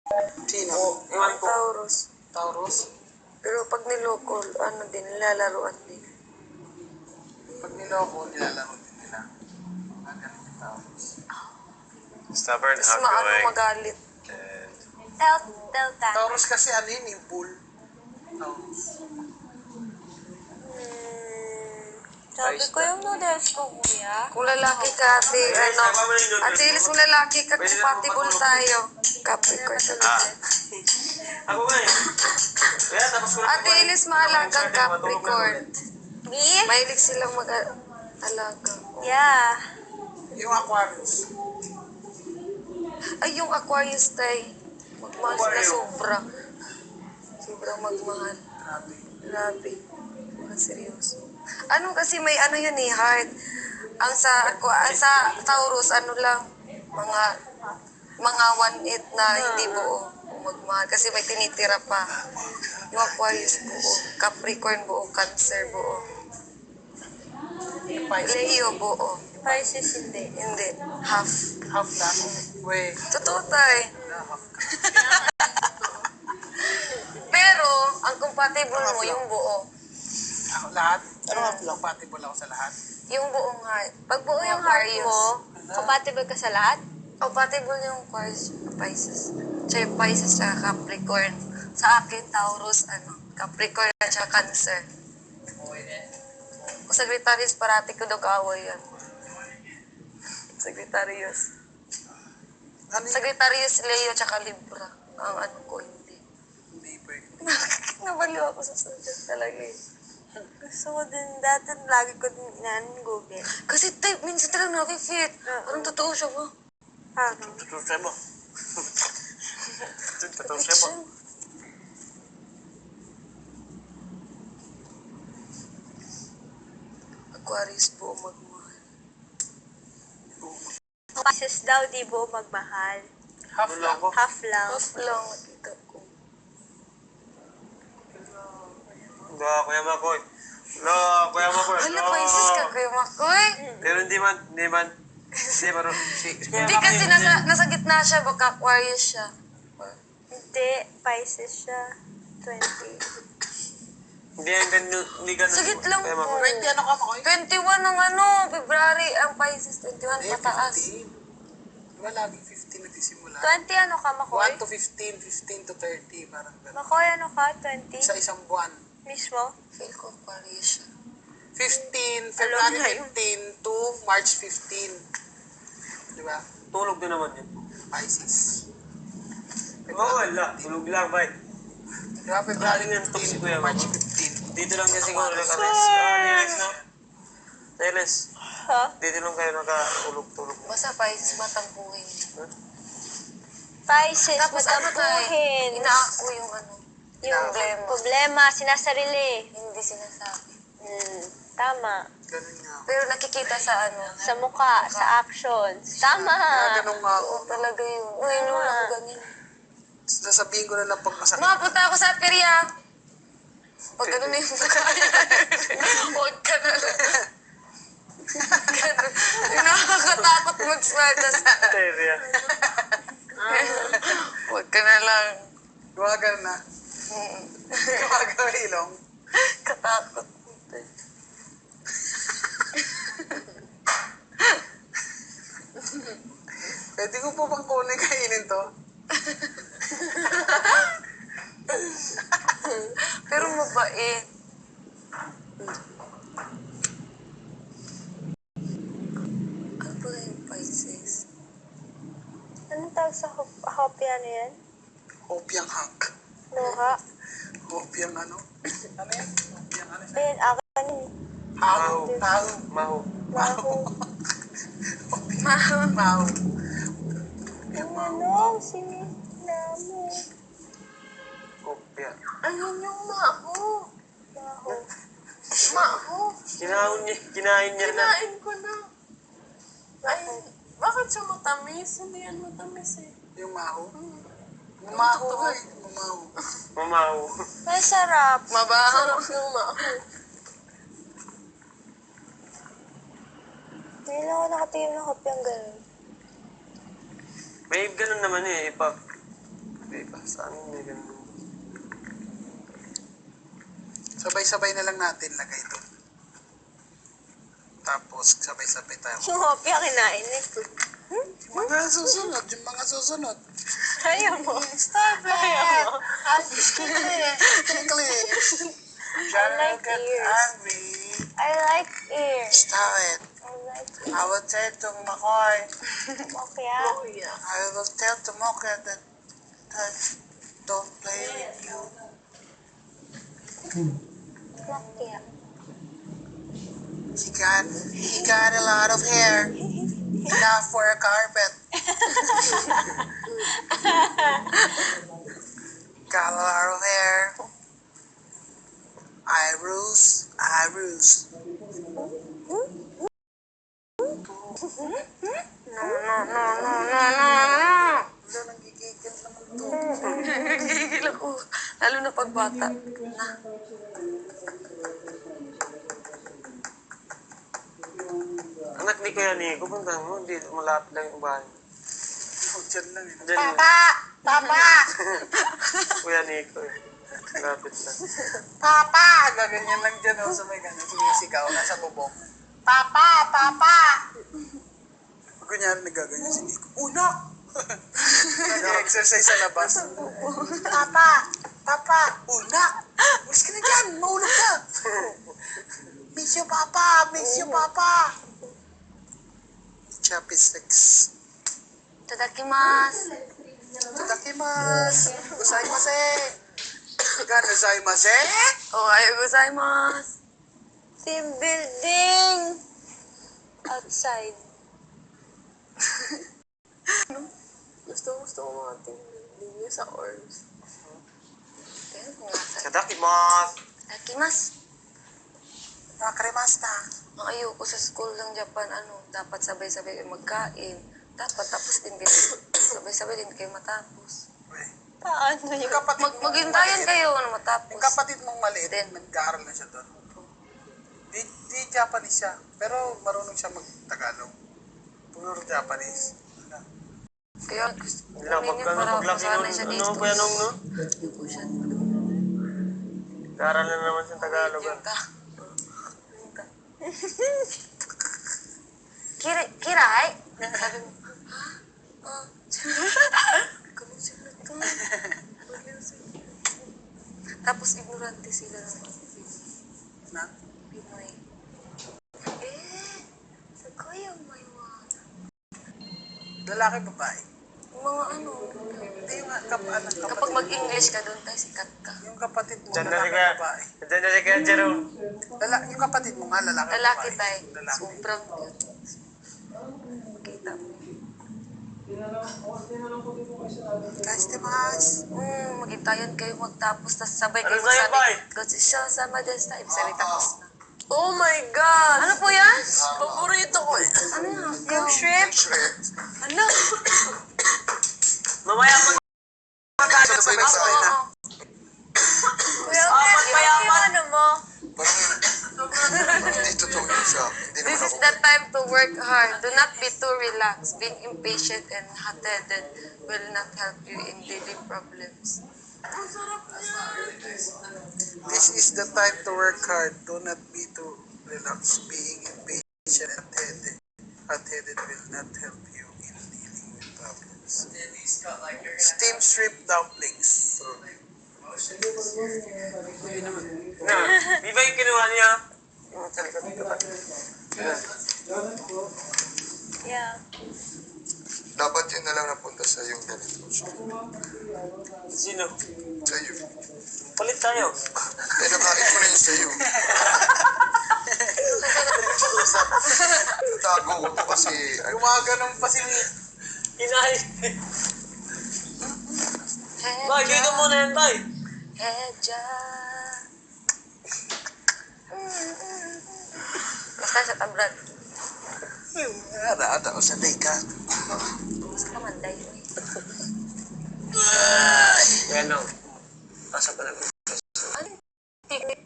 Sino? Ewan ko. Taurus. Taurus? Pero pag niloko, ano din, nilalaroan din. Pag niloko, nilalaro din nila. Magaling yung Taurus. Stubborn, Tapos maano outgoing. magalit. Delta. Taurus kasi ano yun, yung bull. Taurus. Sabi ko yung noodles ko, kuya. Kung lalaki ka, ate, ano, ate Ilis, kung lalaki ka, compatible tayo. Capricorn talaga. Ako nga eh. Kaya tapos ko na Ate Ilis, maalagang Capricorn. Me? Mahilig silang mag-alaga. Yeah. Yung Aquarius. Ay, yung Aquarius tayo. Magmahal sila sobra. Sobrang magmahal. Grabe. Grabe. Mga seryoso. Ano kasi may ano yun eh, heart. Ang sa Taurus, ano lang, mga 1/8 na hindi buo. Magmahal. Kasi may tinitira pa. Yung Aquarius buo. Capricorn buo. Cancer buo. Yung Pisces. Leo buo. Pisces hindi. Hindi. Half. Half lang. Weh. Totoo tayo. Half ka. Pero, ang compatible mo, yung buo. Ako lahat? Ano half lang? Compatible ako sa lahat? Yung buong heart. Pag buo yung Yung heart Aquarius. mo, compatible ka sa lahat? Compatible yung Aquarius, Pisces. Tsaka yung Pisces, tsaka Capricorn. Sa akin, Taurus, Capricorn, tsaka Cancer. Kung Sagittarius, parati ko daw kaaway yan. Sagittarius. Ano yun? Sagittarius, Leo, tsaka Libra. Ang ano ko, hindi. Hindi pwede. Nabaliw ako sa subject talaga eh. Gusto ko din, dati lagi ko din Google. Kasi type, minsan talaga nakifit. Parang totoo siya ba? Parang. Totoo siya mo. Totoo siya mo. Aquarius po magmahal. Pisces daw, di buo magmahal. Half lang. Half lang. Half lang nakita ko. Wala, Kuya Makoy. Wala, Kuya Makoy. Hala, Pisces ka kayo, Makoy. Pero hindi man. Hindi, Hindi kasi nasa gitna siya, baka Aquarius siya. Hindi, Pisces siya. 20. Hindi ganun. Sagit lang Kuya po. Makoy. 20 ano ka, Makoy? 21 ng February, ang Pisces, 21 pataas. 15. Diba laging 15 nagsisimula? 20 ano ka, Makoy? 1 to 15, 15 to 30, parang gano'n. Makoy, ano ka? 20? Sa isang buwan. Mismo? Feel ko Aquarius siya. 15, Alam February na yun. 15 to March 15. Diba? Tulog din naman yun. Pisces. Wala. Tulog lang, bay. Diba? February Galing yan, 15 si to Kuya March Makoy. 15. Dito lang kasi siguro naka-rest. Niles na. Niles. Ha? Dito lang kayo nakatulog-tulog. Basta Pisces, matangkuhin. Pisces, Tapos ano tayo, matampuhin. inaako yung Yung problema. problema, sinasarili. Hindi sinasabi. Tama. Ganun nga ako. Pero nakikita sa Sa mukha, sa actions. Tama. Ganun nga ako. Oo, talaga yun. Uy, noon ako ganyan. Sasabihin ko na lang pag masakit. Mapunta ako sa perya. Pag ano na yung kaya. Huwag ka na lang. Ganun. Nakakatakot mag-smile. Teria. Huwag ka na lang. Iwagan na. Iwagan ilong. Katakot. Pwede ko po bang kunin kainin to? Pero mabait. Ano ba yung Pisces? Anong tawag sa hopya na yan? Hopiang hunk. Luha. Hopiang ano? Ano yan? Hopiang ano? Ayun, akin yun. Haw. Haw. Maho. Maho. Mahal. Haw. Ano? Sinamo. Kopya. Ayun yung maho. Maho. Maho. Kinain niya na. Kinain ko na. Ay, bakit siya matamis? Hindi yan matamis eh. Yung maho. Maho ka eh. Maho. Mamaho. Ay, sarap. Mabaho. Yung maho. Ngayon lang ako nakatingin ng hopyang ganun. May ganun naman eh. Pag Hindi pa. Sa amin may ganun. Sabay-sabay na lang natin lagay doon. Tapos, sabay-sabay tayo. Yung hopya kinain eh. Yung mga susunod. Ayaw mo. Stop it! Ayaw mo. I'm English. John like will get ears. angry. I like ears. Stop it. I like ears. I will tell to McCoy. Hopya. I will tell to Mocha that don't play with you. Hopya. He got a lot of hair. Enough for a carpet. Got a lot of hair. I ruse. Wala, nanggigigil naman to. Nagigigil ako. Lalo na pagbata. Na. Anak ni Kuya Nico, puntahan mo. Hindi, malapit lang yung bahay. Oh, dyan lang eh. Diyan yung Papa! Kuya Nico eh. Malapit lang. Papa! Gaganyan lang dyan oh, sa may ganyan. Sumisigaw, nasa bubong. Papa! Ganyan, nagaganyan si Nico. Unak! Nag-exercise sa labas. Papa! Unak! Ulis ka na dyan! Maulog ka! Miss you, Papa! Chopsticks. Tadakimasu. Tadakimasu! Gozaimasu! Gozaimasu! Ohayo gozaimasu. Team building! Outside. Gusto ko mga team building sa orbs. Sadakimasu! Tadakimasu. Nakarimasta. Ang ayoko sa school ng Japan, dapat sabay-sabay kayo magkain. Dapat tapos din kayo. Sabay-sabay din kayo matapos. Paano yun? Yung kapatid mong Maghintayan maliit- kayo na matapos. Yung kapatid mong maliit, Then, nag-aaral na siya doon. Di Japanese siya, pero marunong siya mag-Tagalog. Puro Japanese. Kaya gusto Hindi lang, kunin yun para paglaki masanay siya nun, dito. Kuya Nong, no? Hindi ko siya. Karal na naman siyang Tagalog. Yung ka. Kiray? Sabi mo, ha? Ganun sila to. Tapos ignorante sila ng mga Na? Pinoy. Sa kuya may mga Lalaki, babae. mga Hindi yung kapatid. kapag mag-English ka doon tayo sikat ka. Yung kapatid mo, Diyan na si lalaki, Kuya. babae. Diyan na si Kuya Jerome. Yung kapatid mo nga, lalaki, Lalaki babae. tayo. Lalaki. Sobrang cute. Makita mo. Guys, Dimas. Maghintayan kayo magtapos, tapos sabay Ano kayo sa'yo, magsabi, Bay? Godzilla sama this time. Sabi tapos na. Oh my God! Ano po yan? Paborito ko eh. Ano yan? Yung shrimp? Ano? Mamaya pag Sabay-sabay na. Kuya, yung ano mo? Hindi totoo yun siya. Hindi This naman is ako. the time to work hard. Do not be too relaxed. Being impatient and hot-headed will not help you in daily problems. This is the time to work hard. Do not be too relaxed. Being impatient and hot-headed will not help you in dealing with problems. Steamed shrimp dumplings. na. Di ba yung kinuha niya? Yung sa likod dito ba? Yeah. Dapat yun na lang napunta sa yung ganito. Sino? Sa iyo. Palit tayo. Eh, nakain mo na yun sa iyo. Natago ko to kasi Gumaganon pa si Inahin. Bay, dito muna yan, Bay. Hedja. Basta sa tabrad. Ada o sa ka. Basta ka manday mo eh. Yan o. Pasok ka na.